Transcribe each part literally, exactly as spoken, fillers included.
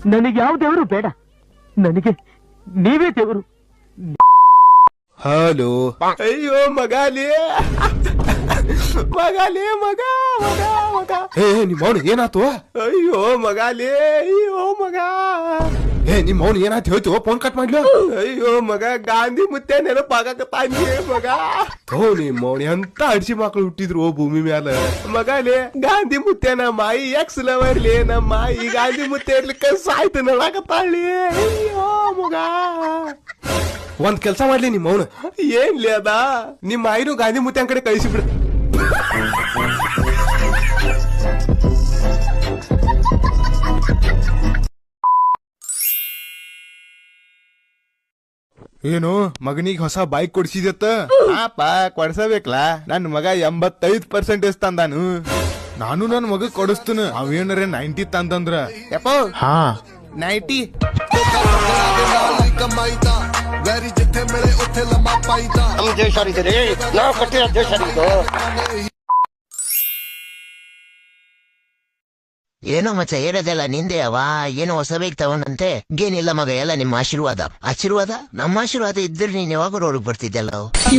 ನನಗೆ ಯಾವ ದೇವರು ಬೇಡ, ನನಗೆ ನೀವೇ ದೇವರು. ಹಲೋ. ಅಯ್ಯೋ ಮಗಾಲಿ ಮಗಾಲಿ ಮಗ ಮಗ ಮಗ ಏ ನಿಮ್ಮ ಅವನು ಏನಾತು? ಅಯ್ಯೋ ಮಗಾಲಿ, ಅಯ್ಯೋ ಮಗ ಏ ನಿಮ್ಮ ಅವನು ಏನಾಯ್ತು ಹೇಳ್ತೀವೋ? Phone cut ಮಾಡ್ಲು. ಅಯ್ಯೋ ಮಗ, ಗಾಂಧಿ ಮುತ್ತೆ ನೆನಪಾಗತ್ತಾನಿ ಮಗ. ಓ ನಿಮ್ಮ ಅವನು ಎಂತ ಅಡಿಸಿ ಮಕ್ಳು ಹುಟ್ಟಿದ್ರು ಓ ಭೂಮಿ ಮ್ಯಾಲ. ಮಗಾಲಿ ಗಾಂಧಿ ಮುತ್ತೆನ ಮಾಯಿ ಎಕ್ಸ್ ಲವರ್ಲಿ, ನಮ್ಮ ಮಾಯಿ ಗಾಂಧಿ ಮುತ್ತೆ ಇರ್ಲಿಕ್ಕ ಸಾಯ್ತು ನಡಾಕತ್ತಾಳಿ. ಅಯ್ಯೋ ಮಗ, ಒಂದ್ ಕೆಲ್ಸ ಮಾಡ್ಲಿ ನಿಮ್ಮ ಅವನು. ಏನ್ಲಿ ಅದ, ನಿಮ್ಮ ಆಯ್ನು ಗಾಂಧಿ ಮುತ್ತೆ ಕಡೆ ಕಳಿಸಿಬಿಡ. ಏನು ಮಗನಿಗೆ ಹೊಸ ಬೈಕ್ ಕೊಡ್ಸಿದತ್ತ? ಪಾಪ ಕೊಡ್ಸಬೇಕಲ್ಲ, ನನ್ ಮಗ ಎಂಬತ್ತೈದ್ ಪರ್ಸೆಂಟೇಜ್ ತಂದಾನು. ನಾನು ನನ್ ಮಗ ಕೊಡಿಸ್ತೇನೆ. ಅವೇನರ ನೈಂಟಿ ತಂದಂದ್ರ ಯಪ್ಪ ಹಾ ನೈಂಟಿ ಏನೋ ಮಚ್ಚ ಹೇಳೋದೆಲ್ಲ ನಿಂದೆ ಅವ. ಏನೋ ಹೊಸ ಬೇಕ್ ತಗೊಂಡಂತೆ. ಏನಿಲ್ಲ ಮಗ, ಎಲ್ಲ ನಿಮ್ಮ ಆಶೀರ್ವಾದ. ಆಶೀರ್ವಾದ ನಮ್ಮ ಆಶೀರ್ವಾದ ಇದ್ರೆ ನೀನ್ ಯಾವಾಗ ರೋಡ್ ಬರ್ತಿದ್ದೆಲ್ಲ.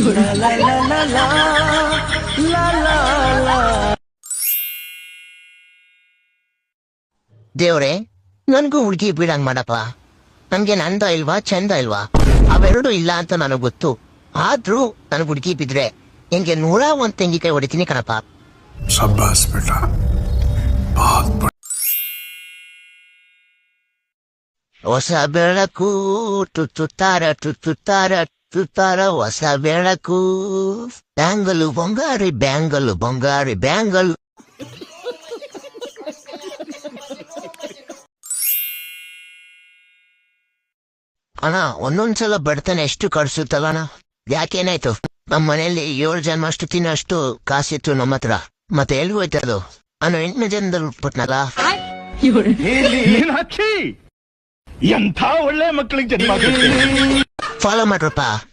ದೇವ್ರೆ, ನನ್ಗೂ ಹುಡುಗಿ ಬೀಳಂಗ್ ಮಾಡಪ್ಪ. ನನ್ಗೆ ನಂದ ಇಲ್ವಾ ಚಂದ ಇಲ್ವಾ ಅವೆರಡು ಇಲ್ಲ ಅಂತ ನನಗ್ ಗೊತ್ತು. ಆದ್ರೂ ನನ್ಗ್ ಹುಡುಗಿ ಬಿದ್ರೆ ನಿನ್ಗೆ ನೂರ ಒಂದ್ ತೆಂಗಿಕಾಯಿ ಹೊಡಿತೀನಿ ಕಣಪ್ಪ. ಹೊಸ ಬೆಳಕು ತುತ್ತಾರ ತುತ್ತಾರ ತುತ್ತಾರ ಹೊಸ ಬೆಳಕು. ಬ್ಯಾಂಗಲು ಬಂಗಾರಿ ಬ್ಯಾಂಗಲು ಬಂಗಾರಿ ಬ್ಯಾಂಗಲು. ಅಣ್ಣ ಒಂದೊಂದ್ಸಲ ಬಡತನ ಎಷ್ಟು ಕಡ್ಸುತ್ತಲ್ಲಣ್ಣ. ಯಾಕೇನಾಯ್ತು? ನಮ್ಮ ಮನೆಯಲ್ಲಿ ಏಳು ಜನ ಅಷ್ಟು ತಿನ್ನೋಷ್ಟು ಕಾಸಿತ್ತು ನಮ್ಮ ಹತ್ರ. ಮತ್ತೆ ಎಲ್ಲಿ ಹೋಯ್ತದು? ನಾನು ಎಂಟನೇ ಜನದಲ್ಲಿ ಬಿಟ್ನಲ್ಲ. ಎಂಥ ಒಳ್ಳೆ ಮಕ್ಕಳಿಗೆ ಜನ್ಮ. ಫಾಲೋ ಮಾಡ್ರಪ್ಪ.